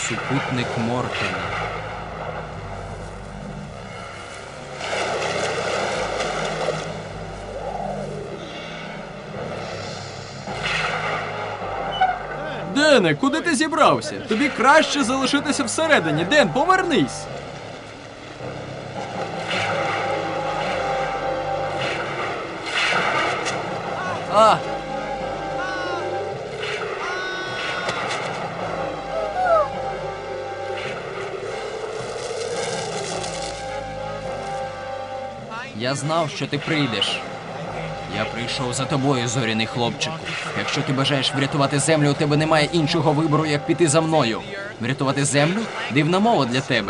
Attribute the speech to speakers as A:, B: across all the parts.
A: Супутник Моркана. Дене, куди ти зібрався? Тобі краще залишитися всередині. Ден, повернись! А! Я знав, що ти прийдеш. Я прийшов за тобою, зоряний хлопчику. Якщо ти бажаєш врятувати землю, у тебе немає іншого вибору, як піти за мною. Врятувати землю? Дивна мова для тебе.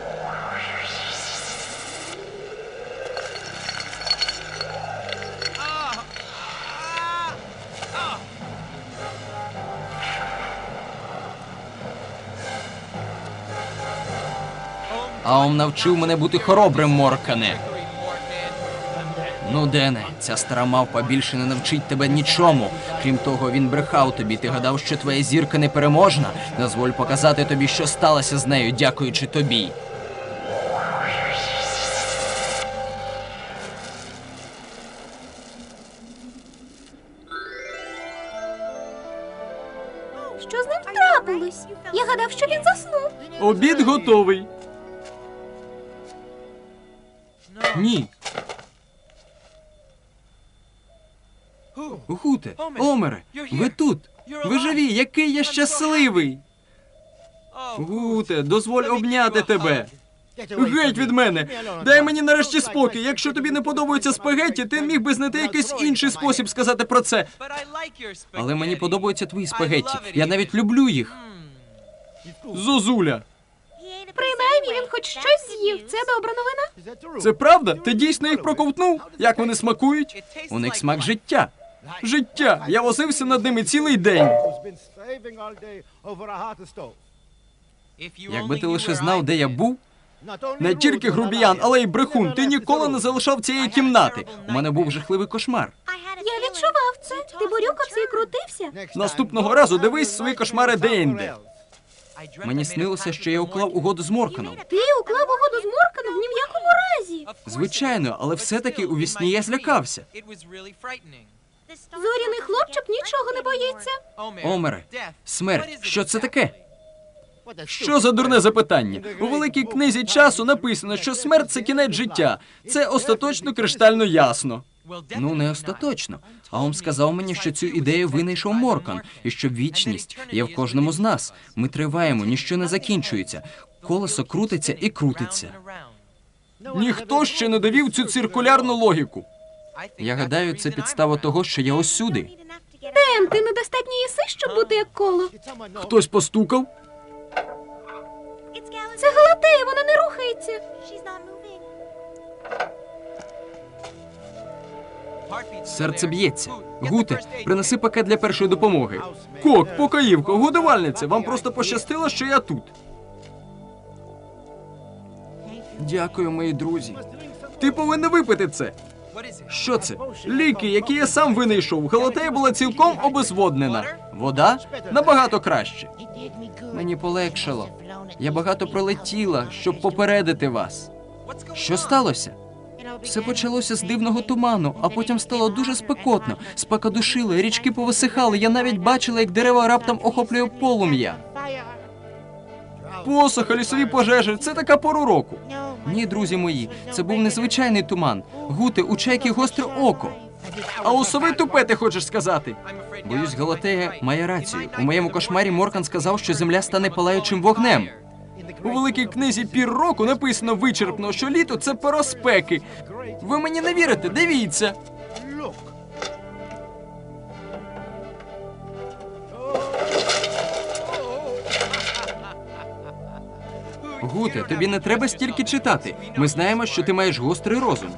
A: Аум навчив мене бути хоробрим, Моркане. Ну, Дене, ця стара мавпа більше не навчить тебе нічому. Крім того, він брехав тобі. Ти гадав, що твоя зірка непереможна? Дозволь показати тобі, що сталося з нею, дякуючи тобі.
B: Що з ним трапилось? Я гадав, що він заснув.
A: Обід готовий. Ні. Гуте, Омере, ви тут. Ви живі, який я щасливий. Гуте, дозволь обняти тебе. Геть від мене! Дай мені нарешті спокій. Якщо тобі не подобаються спагетті, ти міг би знайти якийсь інший спосіб сказати про це. Але мені подобаються твої спагетті. Я навіть люблю їх. Зозуля.
B: Принаймні він хоч щось з'їв. Це добра новина.
A: Це правда? Ти дійсно їх проковтнув? Як вони смакують? У них смак життя. Життя! Я возився над ними цілий день. Якби ти лише знав, де я був, не тільки грубіян, але й брехун, ти ніколи не залишав цієї кімнати. У мене був жахливий кошмар.
B: Я відчував це. Ти борюкався і крутився.
A: Наступного разу дивись свої кошмари де-інде. Мені снилося, що я уклав угоду з Морканом.
B: Ти уклав угоду з Морканом ні в якому разі.
A: Звичайно, але все-таки у вісні я злякався.
B: Зоряний хлопчик нічого не боїться.
A: Омере, смерть, що це таке? Що за дурне запитання? У великій книзі часу написано, що смерть – це кінець життя. Це остаточно криштально ясно. Ну, не остаточно. Аум сказав мені, що цю ідею винайшов Моркан, і що вічність є в кожному з нас. Ми триваємо, ніщо не закінчується. Колесо крутиться і крутиться. Ніхто ще не довів цю циркулярну логіку. Я гадаю, це підстава того, що я ось сюди.
B: Ден, ти недостатньо їси, щоб бути як коло.
A: Хтось постукав?
B: Це Галатея, вона не рухається.
A: Серце б'ється. Гуте, принеси пакет для першої допомоги. Кок, покоївко, годувальниця, вам просто пощастило, що я тут. Дякую, мої друзі. Ти повинен випити це. Що це? Ліки, які я сам винайшов. Галатея була цілком обезводнена. Вода? Набагато краще. Мені полегшало. Я багато пролетіла, щоб попередити вас. Що сталося? Все почалося з дивного туману, а потім стало дуже спекотно. Спека душила, річки повисихали. Я навіть бачила, як дерева раптом охоплює полум'я. Посуха, лісові пожежі – це така пора року. Ні, друзі мої, це був незвичайний туман. Гуте, у чайки гостре око. А у сови тупе, ти хочеш сказати? Боюсь, Галатея має рацію. У моєму кошмарі Моркан сказав, що земля стане палаючим вогнем. У великій книзі «Пір року» написано вичерпно, що літо – це пора спеки. Ви мені не вірите? Дивіться. Гуте, тобі не треба стільки читати. Ми знаємо, що ти маєш гострий розум.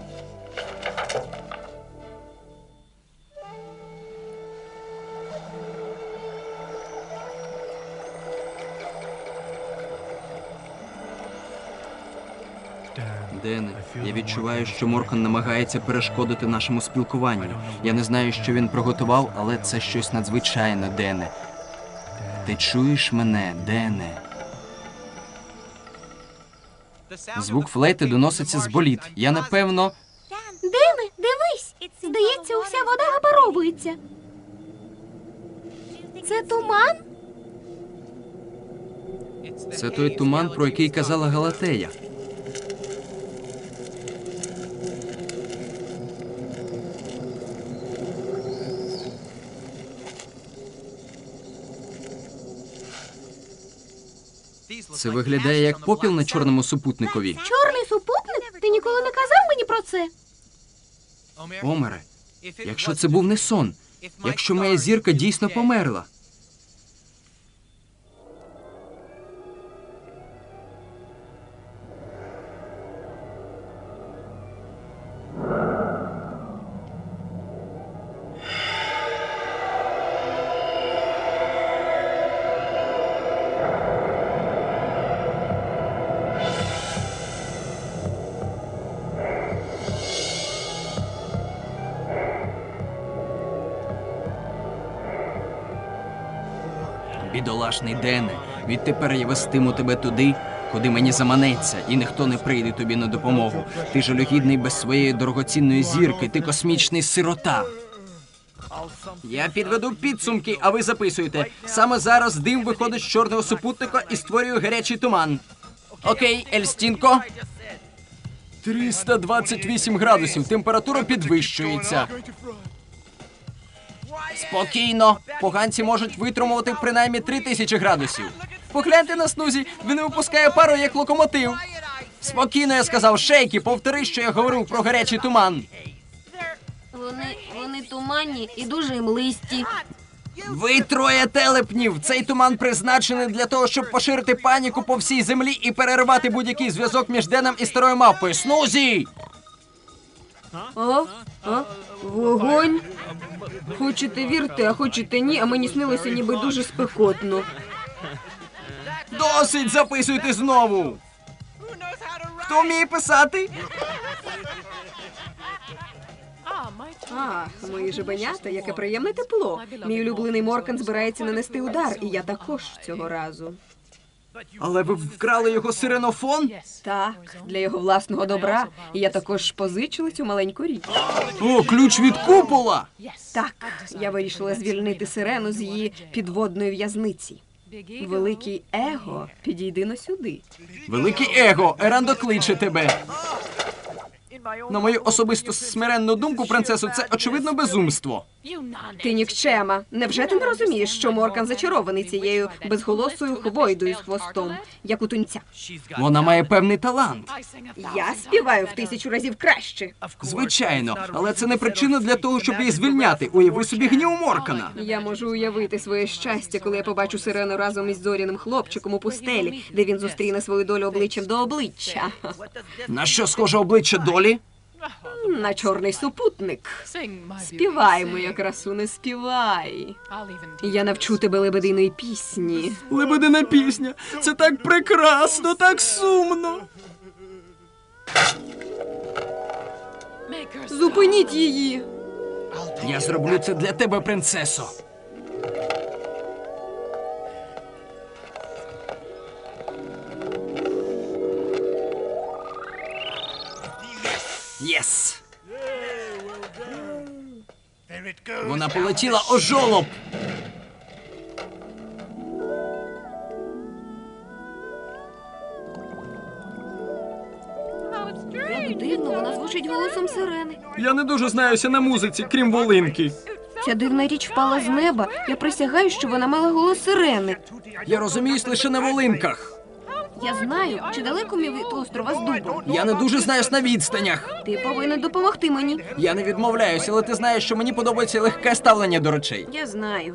A: Дене, я відчуваю, що Моркан намагається перешкодити нашому спілкуванню. Я не знаю, що він приготував, але це щось надзвичайне, Дене. Ти чуєш мене, Дене? Звук флейти доноситься з боліт. Я, напевно...
B: Дене, дивись! Здається, уся вода випаровується. Це туман?
A: Це той туман, про який казала Галатея. Це виглядає як попіл на чорному супутникові.
B: Чорний супутник? Ти ніколи не казав мені про це?
A: Омере, якщо це був не сон, якщо моя зірка дійсно померла. Бідолашний Дене, відтепер я вестиму тебе туди, куди мені заманеться, і ніхто не прийде тобі на допомогу. Ти жалюгідний без своєї дорогоцінної зірки, ти космічний сирота. Я підведу підсумки, а ви записуєте. Саме зараз дим виходить з чорного супутника і створює гарячий туман. Окей, Ельстінко. 328 градусів, температура підвищується. Спокійно. Поганці можуть витримувати принаймні 3000 градусів. Погляньте на Снузі, він випускає пару як локомотив. Спокійно, я сказав, Шейкі, повтори, що я говорив про гарячий туман.
B: Вони туманні і дуже млисті.
A: Ви троє телепнів! Цей туман призначений для того, щоб поширити паніку по всій землі і перервати будь-який зв'язок між Деном і старою мавпою. Снузі!
C: Вогонь? Хочете вірте, а хочете ні, а мені снилося ніби дуже спекотно.
A: Досить, записуйте знову! Хто вміє писати?
C: Ах, мої жебенята, яке приємне тепло. Мій улюблений Моркан збирається нанести удар, і я також цього разу.
A: Але ви вкрали його сиренофон?
C: Так, для його власного добра. І я також позичила цю маленьку річ.
A: О, ключ від купола!
C: Так, я вирішила звільнити сирену з її підводної в'язниці. Великий Его, підійди но сюди.
A: Великий Его, Ерандо кличе тебе. На мою особисто смиренну думку, принцесу, це очевидно безумство.
C: Ти нікчема. Невже ти не розумієш, що Моркан зачарований цією безголосою хвойдою з хвостом, як у тунця?
A: Вона має певний талант.
C: Я співаю в 1000 разів краще.
A: Звичайно, але це не причина для того, щоб її звільняти. Уяви собі гнів Моркана.
C: Я можу уявити своє щастя, коли я побачу сирену разом із зоряним хлопчиком у пустелі, де він зустріне свою долю обличчям до обличчя.
A: На що схоже обличчя долі?
C: На чорний супутник. Співай, моя красуне, співай. Я навчу тебе лебединої пісні.
A: Лебедина пісня. Це так прекрасно, так сумно.
C: Зупиніть її.
A: Я зроблю це для тебе, принцесо. Єс! Вона полетіла о жолоб!
C: Як дивно, вона звучить голосом сирени.
A: Я не дуже знаюся на музиці, крім волинки.
C: Ця дивна річ впала з неба. Я присягаю, що вона мала голос сирени.
A: Я розуміюсь лише на волинках.
C: Я знаю, чи далеко мій від острова з дубом.
A: Я не дуже знаюсь на відстанях.
C: Ти повинен допомогти мені.
A: Я не відмовляюся, але ти знаєш, що мені подобається легке ставлення до речей.
C: Я знаю.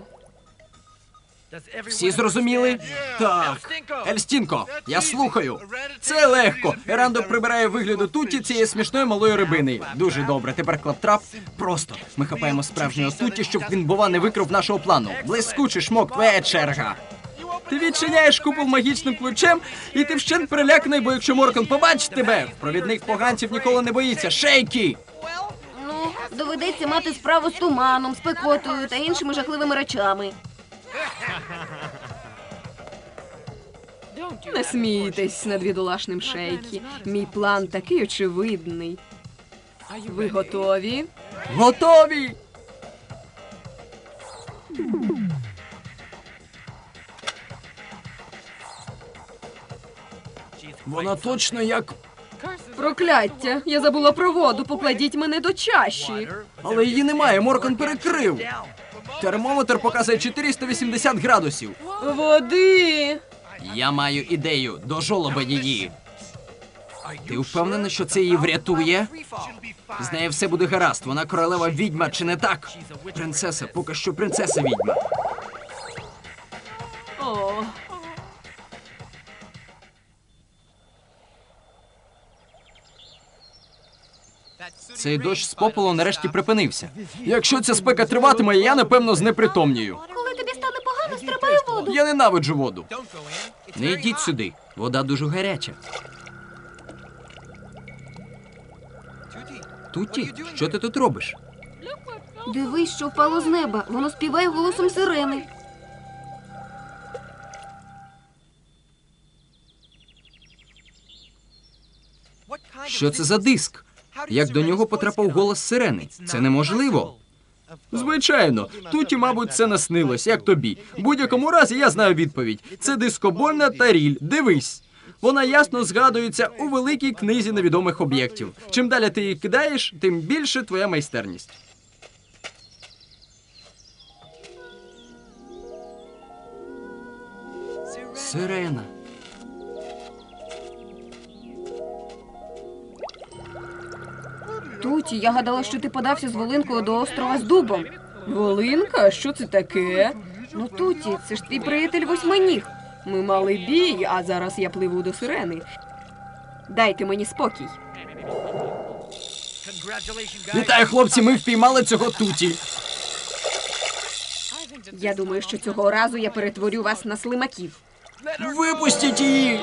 A: Всі зрозуміли? Так. Ельстінко, я слухаю. Це легко. Ерандо прибирає вигляду Тутті цієї смішної малої рибини. Дуже добре. Тепер клаптрап. Просто. Ми хапаємо справжнього Тутті, щоб він, бува, не викрив нашого плану. Блискучий шмок, твоя черга. Ти відчиняєш купол магічним ключем, і ти вщент переляканий, бо якщо Моркан побачить тебе, провідник поганців ніколи не боїться. Шейкі!
C: Ну, доведеться мати справу з туманом, спекотою та іншими жахливими речами. Не смійтесь над бідолашним Шейкі. Мій план такий очевидний. Ви готові?
A: Готові! Вона точно як...
C: Прокляття! Я забула про воду. Покладіть мене до чаші.
A: Але її немає, Моркан перекрив. Термометр показує 480 градусів.
C: Води!
A: Я маю ідею, до жолоба її. Ти впевнений, що це її врятує? З нею все буде гаразд, вона королева відьма, чи не так? Принцеса, поки що принцеса відьма.
C: О,
A: Цей дощ з попелу нарешті припинився. Якщо ця спека триватиме, я, напевно, знепритомнію.
B: Коли тобі стане погано, стрибай у воду.
A: Я ненавиджу воду. Не йдіть сюди, вода дуже гаряча. Туті, що ти тут робиш?
B: Дивись, що впало з неба. Воно співає голосом сирени.
A: Що це за диск? Як до нього потрапив голос сирени? Це неможливо. Звичайно, Туті, мабуть, це наснилось, як тобі. В будь-якому разі я знаю відповідь. Це дискобольна таріль. Дивись. Вона ясно згадується у великій книзі невідомих об'єктів. Чим далі ти її кидаєш, тим більше твоя майстерність. Сирена.
C: Туті, я гадала, що ти подався з Волинкою до острова з дубом. Волинка? Що це таке? Ну, Туті, це ж твій приятель Восьминіг. Ми мали бій, а зараз я пливу до сирени. Дайте мені спокій.
A: Вітаю, хлопці, ми впіймали цього Туті.
C: Я думаю, що цього разу я перетворю вас на слимаків.
A: Випустіть її!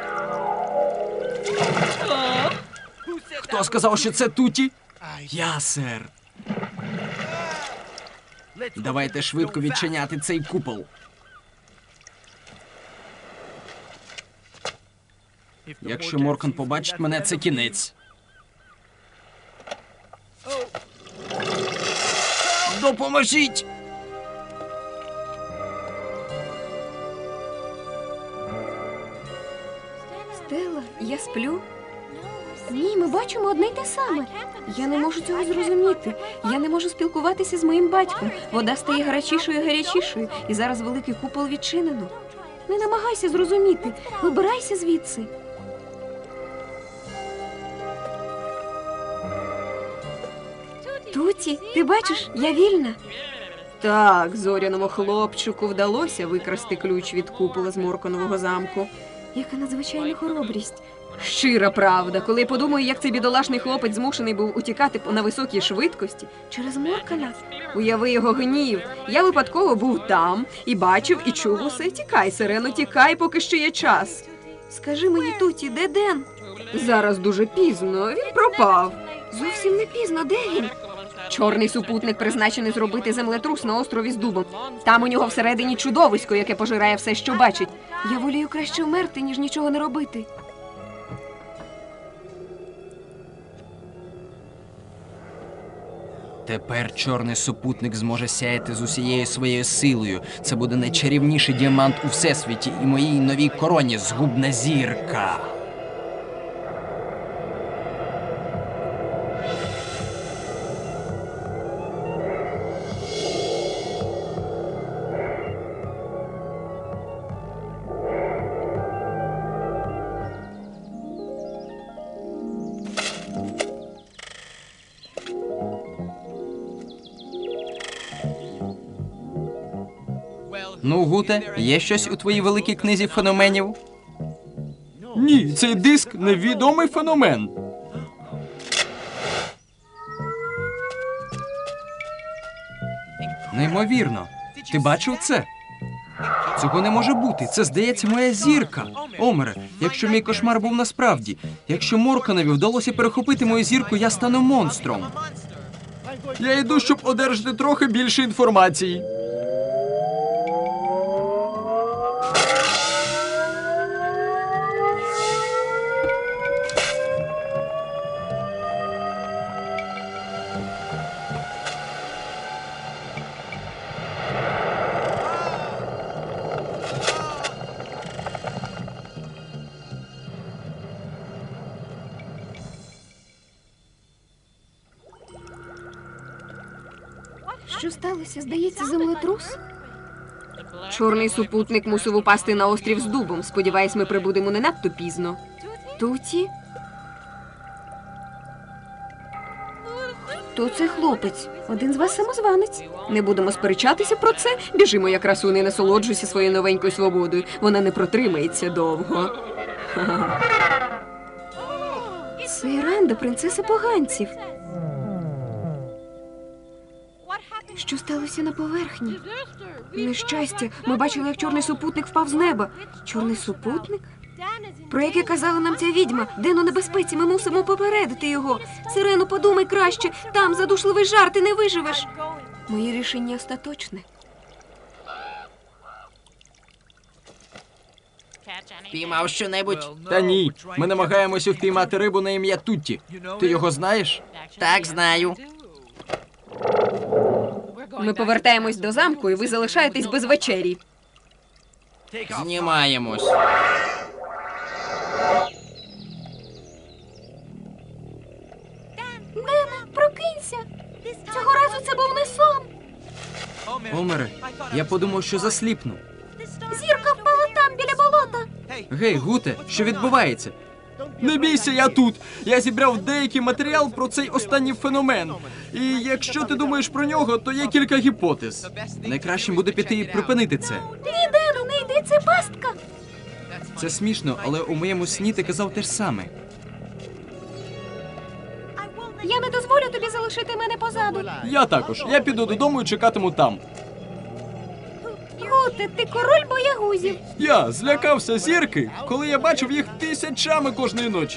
A: Хто сказав, що це Туті? Я, сер. Давайте швидко відчиняти цей купол. Якщо Моркан побачить мене, це кінець. Допоможіть!
C: Стелла, я сплю.
B: Ні, ми бачимо одне й те саме.
C: Я не можу цього зрозуміти. Я не можу спілкуватися з моїм батьком. Вода стає гарячішою і гарячішою, і зараз великий купол відчинено.
B: Не намагайся зрозуміти. Вибирайся звідси.
C: Туті, ти бачиш, я вільна. Так, зоряному хлопчику вдалося викрасти ключ від купола з Морканового замку. Яка надзвичайна хоробрість. Щира правда, коли я подумаю, як цей бідолашний хлопець змушений був утікати на високій швидкості через Моркана. Уяви його гнів. Я випадково був там і бачив, і чув усе. Тікай, сирено, тікай, поки ще є час. Скажи мені, Туті, де Ден? Зараз дуже пізно, він пропав.
B: Зовсім не пізно. Де він?
C: Чорний супутник призначений зробити землетрус на острові з дубом. Там у нього всередині чудовисько, яке пожирає все, що бачить. Я волію краще вмерти, ніж нічого не робити.
A: Тепер чорний супутник зможе сяяти з усією своєю силою. Це буде найчарівніший діамант у всесвіті і моїй новій короні згубна зірка. Ну, Гуте, є щось у твоїй великій книзі феноменів? Ні, цей диск невідомий феномен. Неймовірно. Ти бачив це? Цього не може бути. Це, здається, моя зірка. Омере, якщо мій кошмар був насправді, якщо Морканові вдалося перехопити мою зірку, я стану монстром. Я йду, щоб одержати трохи більше інформації.
B: Що сталося? Здається, землетрус?
C: Чорний супутник мусив упасти на острів з дубом. Сподіваюсь, ми прибудемо не надто пізно. Туті? Хто цей хлопець?
B: Один з вас самозванець.
C: Не будемо сперечатися про це. Біжимо, я красуни, насолоджуйся своєю новенькою свободою. Вона не протримається довго.
B: Це Іранда, принцеса поганців. Що сталося на поверхні?
C: Нещастя, ми бачили, як чорний супутник впав з неба. Чорний супутник? Про яке казала нам ця відьма? Ден у небезпеці, ми мусимо попередити його. Сирено, подумай краще. Там задушливий жар, ти не виживеш. Моє рішення остаточне.
D: Піймав що-небудь?
A: Та ні, ми намагаємося впіймати рибу на ім'я Тутті. Ти його знаєш?
D: Так, знаю.
C: Ми повертаємось до замку, і ви залишаєтесь без вечері.
D: Знімаємось.
B: Дене, прокинься. Цього разу це був не сон.
A: Омере, я подумав, що засліпну.
B: Зірка впала там, біля болота.
A: Гей, Гуте, що відбувається? Не бійся, я тут. Я зібрав деякий матеріал про цей останній феномен. І якщо ти думаєш про нього, то є кілька гіпотез. Найкращим буде піти і припинити це.
B: Ні, Дене, не йди, це пастка.
A: Це смішно, але у моєму сні ти казав те ж саме.
B: Я не дозволю тобі залишити мене позаду.
A: Я також. Я піду додому і чекатиму там.
B: Гуте, ти король боягузів.
A: Я злякався зірки, коли я бачив їх тисячами кожної ночі.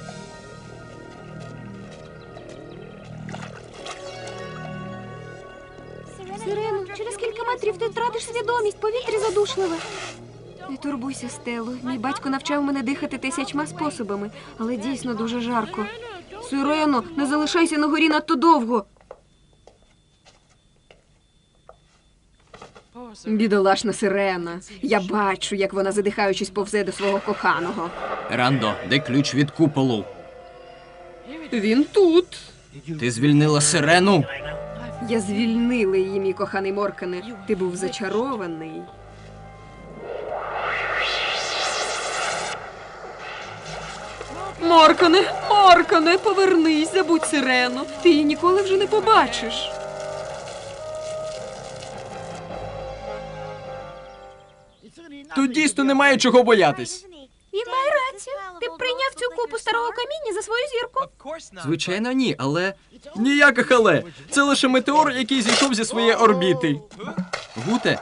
B: Сирено, через кілька метрів ти втратиш свідомість, повітря задушливе.
C: Не турбуйся, Стело. Мій батько навчав мене дихати 1000 способами, але дійсно дуже жарко. Сирено, не залишайся на горі надто довго. Бідолашна Сирена. Я бачу, як вона, задихаючись, повзе до свого коханого.
A: Рандо, де ключ від куполу?
C: Він тут.
A: Ти звільнила сирену?
C: Я звільнила її, мій коханий Моркане. Ти був зачарований. Моркане, Моркане, повернись, забудь Сирену. Ти її ніколи вже не побачиш.
A: Тут дійсно немає чого боятись.
B: Він має рацію. Ти б прийняв цю купу старого каміння за свою зірку.
A: Звичайно, ні, але... Ніяких але. Це лише метеор, який зійшов зі своєї орбіти. Гуте,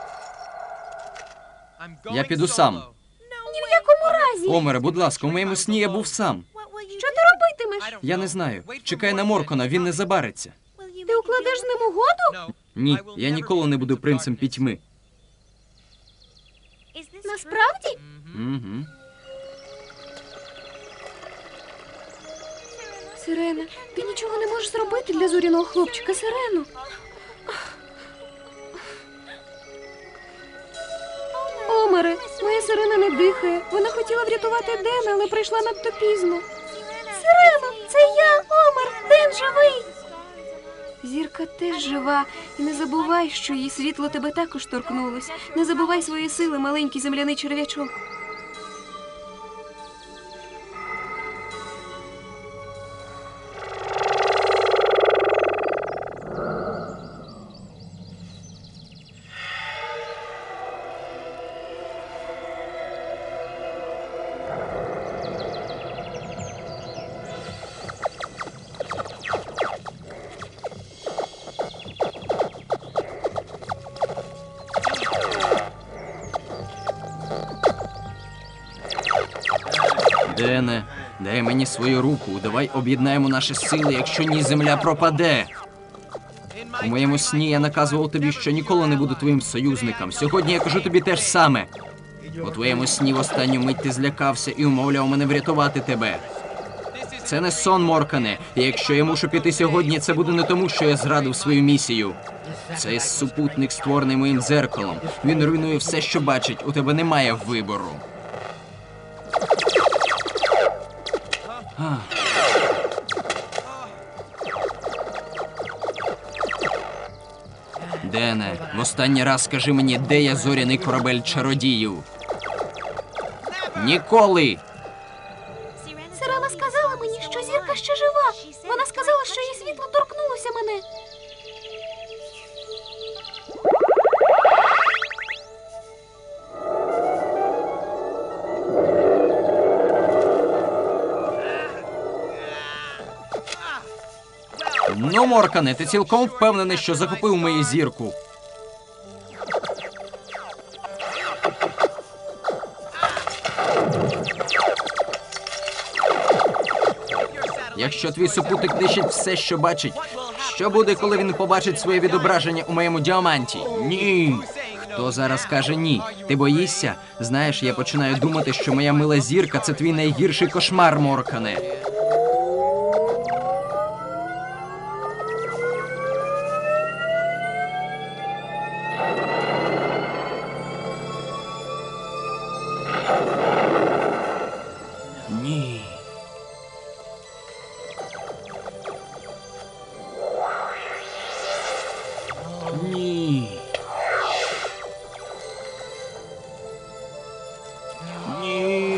A: я піду сам.
B: Ні в якому разі.
A: Омере, будь ласка, у моєму сні я був сам.
B: Що ти робитимеш?
A: Я не знаю. Чекай на Моркона, він не забариться.
B: Ти укладеш з ним угоду?
A: Ні, я ніколи не буду принцем пітьми.
B: Насправді?
A: Угу.
C: Сирена, ти нічого не можеш зробити для зоряного хлопчика, Сирену. Омере, моя Сирена не дихає. Вона хотіла врятувати Дена, але прийшла надто пізно.
B: Сирено, це я, Омер. Ден живий.
C: Зірка теж жива. І не забувай, що її світло тебе також торкнулось. Не забувай свої сили, маленький земляний черв'ячок.
A: Дене, дай мені свою руку. Давай об'єднаємо наші сили, якщо ні, земля пропаде. У моєму сні я наказував тобі, що ніколи не буду твоїм союзником. Сьогодні я кажу тобі те ж саме. У твоєму сні в останню мить ти злякався і умовляв мене врятувати тебе. Це не сон, Моркане. І якщо я мушу піти сьогодні, це буде не тому, що я зрадив свою місію. Цей супутник створений моїм дзеркалом. Він руйнує все, що бачить. У тебе немає вибору. Дене, в останній раз скажи мені, де є зоряний корабель чародіїв? Ніколи!
B: Сирена сказала мені, що зірка ще жива. Вона сказала, що її світло торкнулося мене.
A: Ну, Моркане, ти цілком впевнений, що захопив мою зірку? Якщо твій супутник нищить все, що бачить, що буде, коли він побачить своє відображення у моєму діаманті? Ні. Хто зараз каже ні? Ти боїшся? Знаєш, я починаю думати, що моя мила зірка – це твій найгірший кошмар, Моркане. Ні. Ні. Ні.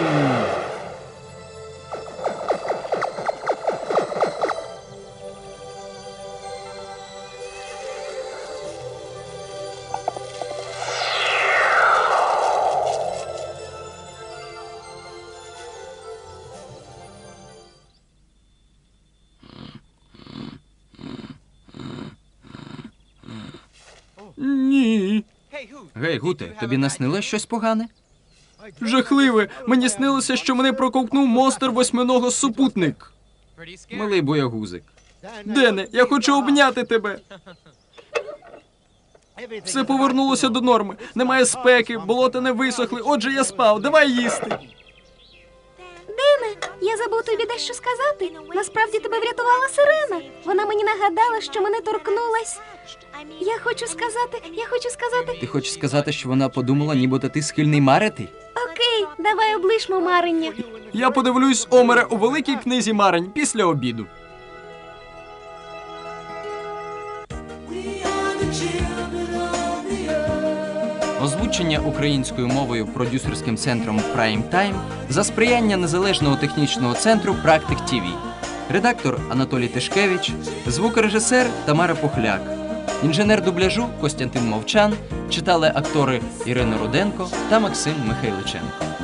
A: Ні. Гей, Гуте, тобі наснилось щось погане? Жахливе! Мені снилося, що мене проковтнув монстр восьминого супутник. Малий боягузик. Дене, я хочу обняти тебе. Все повернулося до норми. Немає спеки, болота не висохли, отже я спав. Давай їсти.
B: Дене, я забув тобі дещо сказати. Насправді тебе врятувала сирена. Вона мені нагадала, що мене торкнулась. Я хочу сказати...
A: Ти хочеш сказати, що вона подумала, нібито ти схильний марити?
B: Окей, давай облишмо марення.
A: Я подивлюсь, Омере, у великій книзі марень після обіду. Озвучення українською мовою продюсерським центром Prime Time за сприяння Незалежного технічного центру Практик ТВ. Редактор Анатолій Тишкевич, звукорежисер Тамара Пухляк. Інженер дубляжу Костянтин Мовчан, читали актори Ірина Руденко та Максим Михайличенко.